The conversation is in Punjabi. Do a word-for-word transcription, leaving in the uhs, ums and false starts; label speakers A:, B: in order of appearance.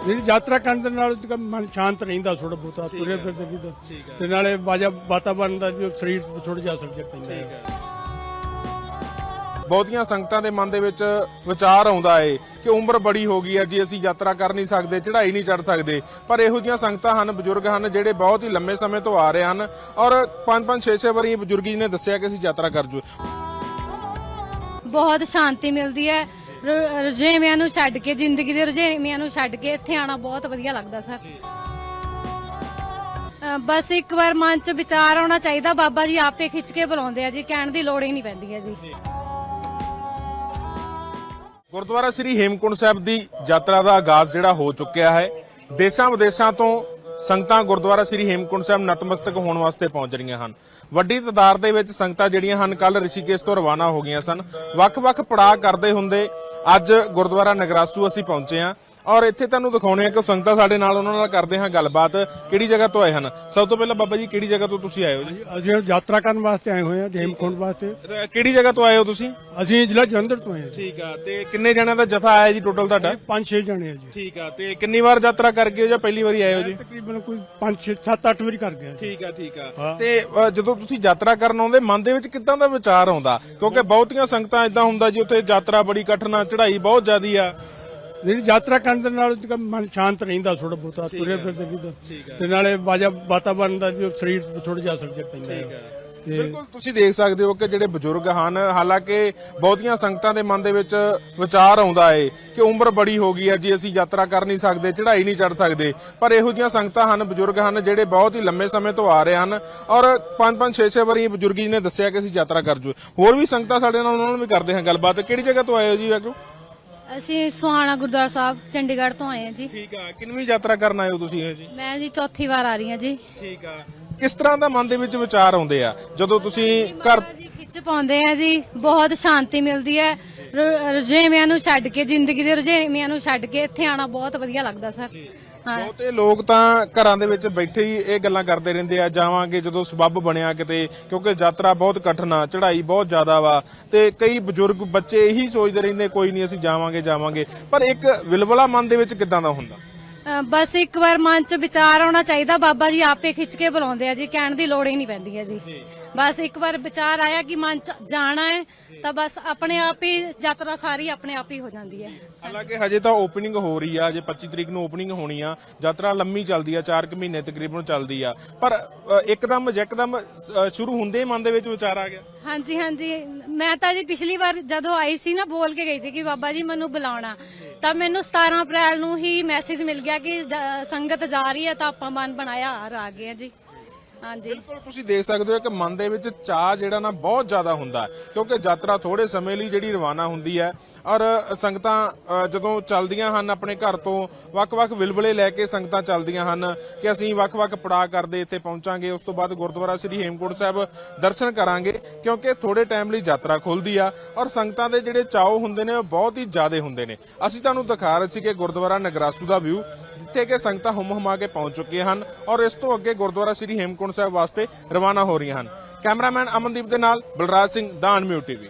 A: ਜਿਹੜੀ ਯਾਤਰਾ ਕਰਨ ਦੇ ਨਾਲ ਮਨ ਸ਼ਾਂਤ ਰਹਿੰਦਾ ਥੋੜਾ ਬਹੁਤਾ ਤੁਰੇ ਫਿਰਦੇ ਵੀ ਤੇ ਨਾਲੇ ਵਾਜਾ ਵਾਤਾਵਰਨ ਦਾ ਜੋ ਸਰੀਰ ਥੋੜਾ ਜਿਹਾ ਅਸਰ ਪੈਂਦਾ ਹੈ।
B: ਬਹੁਤੀਆਂ ਸੰਗਤਾਂ ਦੇ ਮਨ ਦੇ ਵਿੱਚ ਵਿਚਾਰ ਆਉਂਦਾ ਏ ਕਿ ਉਮਰ ਬੜੀ ਹੋ ਗਈ ਹੈ ਜੀ, ਅਸੀਂ ਯਾਤਰਾ ਕਰ ਨਹੀਂ ਸਕਦੇ, ਚੜ੍ਹਾਈ ਨਹੀਂ ਚੜ੍ਹ ਸਕਦੇ। ਪਰ ਇਹੋ ਜਿਹੀਆਂ ਸੰਗਤਾਂ ਹਨ, ਬਜ਼ੁਰਗ ਹਨ ਜਿਹੜੇ ਬਹੁਤ ਹੀ ਲੰਮੇ ਸਮੇਂ ਤੋਂ ਆ ਰਹੇ ਹਨ ਔਰ ਪੰਜ ਪੰਜ ਛੇ ਛੇ ਵਾਰੀ ਬਜ਼ੁਰਗ ਜੀ ਨੇ ਦੱਸਿਆ ਕਿ ਅਸੀਂ ਯਾਤਰਾ ਕਰ ਜੂ।
C: ਬਹੁਤ ਸ਼ਾਂਤੀ ਮਿਲਦੀ ਹੈ, ਰੁਝੇਵਿਆਂ ਨੂੰ ਛੱਡ ਕੇ, ਜ਼ਿੰਦਗੀ ਦੇ ਰੁਝੇਵਿਆਂ ਨੂੰ ਛੱਡ ਕੇ ਇੱਥੇ ਆਣਾ ਬਹੁਤ ਵਧੀਆ ਲੱਗਦਾ ਸਰ। ਬਸ ਇੱਕ ਵਾਰ ਮਨ 'ਚ ਵਿਚਾਰ ਆਉਣਾ ਚਾਹੀਦਾ, ਬਾਬਾ ਜੀ ਆਪੇ ਖਿੱਚ ਕੇ ਬੁਲਾਉਂਦੇ ਆ ਜੀ, ਕਹਿਣ ਦੀ ਲੋੜ ਹੀ ਨਹੀਂ ਪੈਂਦੀ ਹੈ ਜੀ।
B: ਗੁਰਦੁਆਰਾ ਸ੍ਰੀ ਹੇਮਕੁੰਟ ਸਾਹਿਬ ਦੀ ਯਾਤਰਾ ਦਾ ਆਗਾਜ਼ ਜਿਹੜਾ ਹੋ ਚੁੱਕਿਆ ਹੈ। ਦੇਸ਼ਾਂ ਵਿਦੇਸ਼ਾਂ ਤੋਂ ਸੰਗਤਾਂ ਗੁਰਦੁਆਰਾ ਸ੍ਰੀ ਹੇਮਕੁੰਟ ਸਾਹਿਬ ਨਤਮਸਤਕ ਹੋਣ ਵਾਸਤੇ ਪਹੁੰਚ ਰਹੀਆਂ ਹਨ। ਵੱਡੀ ਤਾਦਾਦ ਦੇ ਵਿੱਚ ਸੰਗਤਾਂ ਜਿਹੜੀਆਂ ਹਨ ਕੱਲ ਰਿਸ਼ੀਕੇਸ਼ ਤੋਂ ਰਵਾਨਾ ਹੋ ਗਈਆਂ ਸਨ। ਵੱਖ-ਵੱਖ ਪੜਾਅ ਕਰਦੇ ਹੁੰਦੇ ਅੱਜ ਗੁਰਦੁਆਰਾ ਨਗਰਾਸੂ ਅਸੀਂ ਪਹੁੰਚੇ ਹਾਂ ਔਰ ਇੱਥੇ ਤੁਹਾਨੂੰ ਦਿਖਾਉਣੇ ਆ ਕਿ ਸੰਗਤਾਂ ਸਾਡੇ ਨਾਲ, ਉਹਨਾਂ ਨਾਲ ਕਰਦੇ ਹਾਂ ਗੱਲਬਾਤ। ਕਿਹੜੀ ਜਗ੍ਹਾ ਤੋਂ ਆਏ ਹਨ? ਸਭ ਤੋਂ ਪਹਿਲਾਂ ਬਾਬਾ ਜੀ ਕਿਹੜੀ ਜਗ੍ਹਾ ਤੋਂ ਤੁਸੀਂ ਆਏ ਹੋ ਜੀ?
A: ਅਸੀਂ ਯਾਤਰਾ ਕਰਨ ਵਾਸਤੇ ਆਏ ਹੋਏ ਹਾਂ ਹੇਮਕੁੰਟ ਵਾਸਤੇ।
B: ਕਿਹੜੀ ਜਗ੍ਹਾ ਤੋਂ ਆਏ ਹੋ ਤੁਸੀਂ?
A: ਅਸੀਂ ਜ਼ਿਲ੍ਹਾ ਜਲੰਧਰ ਤੋਂ ਆਏ ਹਾਂ।
B: ਠੀਕ ਆ, ਤੇ ਕਿੰਨੇ ਜਣਿਆਂ ਦਾ ਜਥਾ ਆਇਆ ਜੀ ਟੋਟਲ ਤੁਹਾਡਾ?
A: ਪੰਜ ਛੇ ਜਣੇ ਆ ਜੀ।
B: ਠੀਕ ਆ, ਤੇ ਕਿੰਨੀ ਵਾਰ ਯਾਤਰਾ ਕਰ ਗਏ ਹੋ ਜਾਂ ਪਹਿਲੀ ਵਾਰੀ ਆਏ ਹੋ ਜੀ?
A: ਤਕਰੀਬਨ ਕੋਈ ਪੰਜ ਛੇ ਸੱਤ ਅੱਠ ਵਾਰੀ ਕਰ ਗਿਆ।
B: ਠੀਕ ਆ ਠੀਕ ਆ। ਤੇ ਅ, ਜਦੋਂ ਤੁਸੀਂ ਯਾਤਰਾ ਕਰਨ ਆਉਂਦੇ ਮਨ ਦੇ ਵਿੱਚ ਕਿੱਦਾਂ ਦਾ ਵਿਚਾਰ ਆਉਂਦਾ? ਕਿਉਂਕਿ ਬਹੁਤੀਆਂ ਸੰਗਤਾਂ ਇਦਾਂ ਹੁੰਦਾ ਜੀ ਉੱਥੇ ਯਾਤਰਾ ਬੜੀ ਕਠਿਨ ਆ, ਚੜ੍ਹਾਈ ਬਹੁਤ ਜ਼ਿਆਦੀ ਆ।
A: ਜਿਹੜੀ ਯਾਤਰਾ ਕਰਨ ਦੇ ਨਾਲ ਮਨ ਸ਼ਾਂਤ ਰਹਿੰਦਾ ਥੋੜਾ ਬਹੁਤਾ ਤੁਰੇ ਫਿਰਦੇ ਵੀ ਤੇ ਨਾਲੇ ਵਾਜਾ ਵਾਤਾਵਰਨ ਦਾ ਜੋ ਸਰੀਰ ਥੋੜਾ ਜਿਹਾ ਅਸਰ ਪੈਂਦਾ ਹੈ।
B: ਬਿਲਕੁਲ ਤੁਸੀਂ ਦੇਖ ਸਕਦੇ ਹੋ ਕਿ ਜਿਹੜੇ ਬਜ਼ੁਰਗ ਹਨ, ਹਾਲਾਂਕਿ ਬਹੁਤੀਆਂ ਸੰਗਤਾਂ ਦੇ ਮਨ ਦੇ ਵਿੱਚ ਵਿਚਾਰ ਆਉਂਦਾ ਏ ਕਿ ਉਮਰ ਬੜੀ ਹੋ ਗਈ ਹੈ ਜੀ, ਅਸੀਂ ਯਾਤਰਾ ਕਰ ਨਹੀਂ ਸਕਦੇ, ਚੜ੍ਹਾਈ ਨਹੀਂ ਚੜ੍ਹ ਸਕਦੇ। ਪਰ ਇਹੋ ਜਿਹੀਆਂ ਸੰਗਤਾਂ ਹਨ, ਬਜ਼ੁਰਗ ਹਨ ਜਿਹੜੇ ਬਹੁਤ ਹੀ ਲੰਮੇ ਸਮੇਂ ਤੋਂ ਆ ਰਹੇ ਹਨ ਔਰ ਪੰਜ ਪੰਜ ਛੇ ਛੇ ਵਾਰੀ ਬਜ਼ੁਰਗ ਜੀ ਨੇ ਦੱਸਿਆ ਕਿ ਅਸੀਂ ਯਾਤਰਾ ਕਰ ਜੂ। ਹੋਰ ਵੀ ਸੰਗਤਾਂ ਸਾਡੇ ਨਾਲ, ਉਹਨਾਂ ਨਾਲ ਵੀ ਕਰਦੇ ਹਾਂ ਗੱਲਬਾਤ। ਕਿਹੜੀ ਜਗ੍ਹਾ ਤੋਂ ਆਏ ਹੋ ਜੀ ਵਾਹਿਗੁਰੂ?
C: ਅਸੀਂ ਸੁਹਾਣਾ ਗੁਰਦੁਆਰਾ ਸਾਹਿਬ ਚੰਡੀਗੜ੍ਹ ਤੋਂ ਆਏ ਹਾਂ ਜੀ।
B: ਠੀਕ ਆ, ਕਿੰਨਵੀਂ ਯਾਤਰਾ ਕਰਨ ਆਏ ਹੋ ਤੁਸੀਂ ਜੀ?
C: ਮੈਂ ਜੀ ਚੌਥੀ ਵਾਰ ਆ ਰਹੀ ਹਾਂ ਜੀ।
B: ਠੀਕ ਆ, ਕਿਸ ਤਰ੍ਹਾਂ ਦਾ ਮਨ ਦੇ ਵਿੱਚ ਵਿਚਾਰ ਆਉਂਦੇ ਆ ਜਦੋਂ ਤੁਸੀਂ ਘਰ
C: ਜੀ ਖਿੱਚ ਪਾਉਂਦੇ ਆ ਜੀ? ਬਹੁਤ ਸ਼ਾਂਤੀ ਮਿਲਦੀ ਹੈ, ਰੁਝੇਵਿਆਂ ਨੂੰ ਛੱਡ ਕੇ, ਜ਼ਿੰਦਗੀ ਦੇ ਰੁਝੇਵਿਆਂ ਨੂੰ ਛੱਡ ਕੇ ਇੱਥੇ ਆਣਾ ਬਹੁਤ ਵਧੀਆ ਲੱਗਦਾ ਸਰ।
B: ਬਹੁਤੇ ਲੋਕ ਤਾਂ ਘਰਾਂ ਦੇ ਵਿੱਚ ਬੈਠੇ ਹੀ ਇਹ ਗੱਲਾਂ ਕਰਦੇ ਰਹਿੰਦੇ ਆ, ਜਾਵਾਂਗੇ ਜਦੋਂ ਸਬੱਬ ਬਣਿਆ ਕਿਤੇ, ਕਿਉਂਕਿ ਯਾਤਰਾ ਬਹੁਤ ਕਠਿਨ ਆ, ਚੜ੍ਹਾਈ ਬਹੁਤ ਜ਼ਿਆਦਾ ਵਾ। ਤੇ ਕਈ ਬਜ਼ੁਰਗ ਬੱਚੇ ਇਹੀ ਸੋਚਦੇ ਰਹਿੰਦੇ ਕੋਈ ਨਹੀਂ ਅਸੀਂ ਜਾਵਾਂਗੇ ਜਾਵਾਂਗੇ। ਪਰ ਇੱਕ ਵਿਲਵਲਾ ਮਨ ਦੇ ਵਿੱਚ ਕਿੱਦਾਂ ਦਾ ਹੁੰਦਾ?
C: ਬਸ ਇੱਕ ਵਾਰ ਮਨ 'ਚ ਵਿਚਾਰ ਆਉਣਾ ਚਾਹੀਦਾ, ਬਾਬਾ ਜੀ ਆਪੇ ਖਿੱਚ ਕੇ ਬੁਲਾਉਂਦੇ ਆ ਜੀ, ਕਹਿਣ ਦੀ ਲੋੜ ਹੀ ਨਹੀਂ ਪੈਂਦੀ ਹੈ ਜੀ। ਬਸ ਇੱਕ ਵਾਰ ਵਿਚਾਰ ਆਇਆ ਕਿ ਮਨ 'ਚ ਜਾਣਾ ਹੈ ਤਾਂ ਬਸ ਆਪਣੇ ਆਪ ਹੀ ਯਾਤਰਾ ਸਾਰੀ ਆਪਣੇ ਆਪ ਹੀ ਹੋ ਜਾਂਦੀ ਹੈ।
B: ਹਾਲਾਂਕਿ ਹਜੇ ਤਾਂ ਓਪਨਿੰਗ ਹੋ ਰਹੀ ਆ, ਜੇ ਪੱਚੀ ਤਰੀਕ ਨੂੰ ਓਪਨਿੰਗ ਹੋਣੀ ਆ। ਯਾਤਰਾ ਲੰਮੀ ਚੱਲਦੀ ਆ, ਚਾਰ ਕੁ ਮਹੀਨੇ ਤਕਰੀਬਨ ਚੱਲਦੀ ਆ। ਪਰ ਇੱਕਦਮ ਯਕਦਮ ਸ਼ੁਰੂ ਹੁੰਦੇ ਮਨ ਦੇ ਵਿੱਚ ਵਿਚਾਰ ਆ ਗਿਆ।
C: ਹਾਂਜੀ ਹਾਂਜੀ, ਮੈਂ ਤਾਂ ਜੀ ਪਿਛਲੀ ਵਾਰ ਜਦੋਂ ਆਈ ਸੀ ਨਾ, ਬੋਲ ਕੇ ਗਈ ਸੀ ਕਿ ਬਾਬਾ ਜੀ ਮੈਨੂੰ ਬੁਲਾਉਣਾ, ਤਾਂ ਮੈਨੂੰ ਸਤਾਰਾਂ ਅਪ੍ਰੈਲ ਨੂੰ ਹੀ ਮੈਸੇਜ ਮਿਲ ਗਿਆ ਕਿ ਸੰਗਤ ਜਾ ਰਹੀ ਹੈ, ਤਾਂ ਆਪਾਂ ਮਨ ਬਣਾਇਆ ਔਰ ਆ ਗਏ ਜੀ। ਹਾਂਜੀ
B: ਬਿਲਕੁਲ ਤੁਸੀਂ ਦੇਖ ਸਕਦੇ ਹੋ ਕਿ ਮਨ ਦੇ ਵਿੱਚ ਚਾਹ ਜਿਹੜਾ ਨਾ ਬਹੁਤ ਜ਼ਿਆਦਾ ਹੁੰਦਾ, ਕਿਉਂਕਿ ਯਾਤਰਾ ਥੋੜੇ ਸਮੇਂ ਲਈ ਜਿਹੜੀ ਰਵਾਨਾ ਹੁੰਦੀ ਹੈ ਔਰ ਸੰਗਤਾਂ ਜਦੋਂ ਚੱਲਦੀਆਂ ਹਨ ਆਪਣੇ ਘਰ ਤੋਂ, ਵੱਖ-ਵੱਖ ਵਿਲਵਲੇ ਲੈ ਕੇ ਸੰਗਤਾਂ ਚੱਲਦੀਆਂ ਹਨ ਕਿ ਅਸੀਂ ਵੱਖ-ਵੱਖ ਪੜਾਅ ਕਰਦੇ ਇੱਥੇ ਪਹੁੰਚਾਂਗੇ। ਉਸ ਤੋਂ ਬਾਅਦ ਗੁਰਦੁਆਰਾ ਸ੍ਰੀ ਹੇਮਕੁੰਟ ਸਾਹਿਬ ਦਰਸ਼ਨ ਕਰਾਂਗੇ, ਕਿਉਂਕਿ ਥੋੜੇ ਟਾਈਮ ਲਈ ਯਾਤਰਾ ਖੁੱਲਦੀ ਆ ਔਰ ਸੰਗਤਾਂ ਦੇ ਜਿਹੜੇ ਚਾਅ ਹੁੰਦੇ ਨੇ ਉਹ ਬਹੁਤ ਹੀ ਜ਼ਿਆਦੇ ਹੁੰਦੇ ਨੇ। ਅਸੀਂ ਤੁਹਾਨੂੰ ਦਿਖਾ ਰਹੇ ਸੀ ਕਿ ਗੁਰਦੁਆਰਾ ਨਗਰਾਸੂ ਦਾ ਵਿਊ, ਜਿੱਥੇ ਕਿ ਸੰਗਤਾਂ ਹੁਮ ਹੁਮਾ ਕੇ ਪਹੁੰਚ ਚੁੱਕੀਆਂ ਹਨ ਔਰ ਇਸ ਤੋਂ ਅੱਗੇ ਗੁਰਦੁਆਰਾ ਸ੍ਰੀ ਹੇਮਕੁੰਟ ਸਾਹਿਬ ਵਾਸਤੇ ਰਵਾਨਾ ਹੋ ਰਹੀਆਂ ਹਨ। ਕੈਮਰਾਮੈਨ ਅਮਨਦੀਪ ਦੇ ਨਾਲ ਬਲਰਾਜ ਸਿੰਘ, ਦਾ ਅਨਮਿਊਟ ਟੀਵੀ।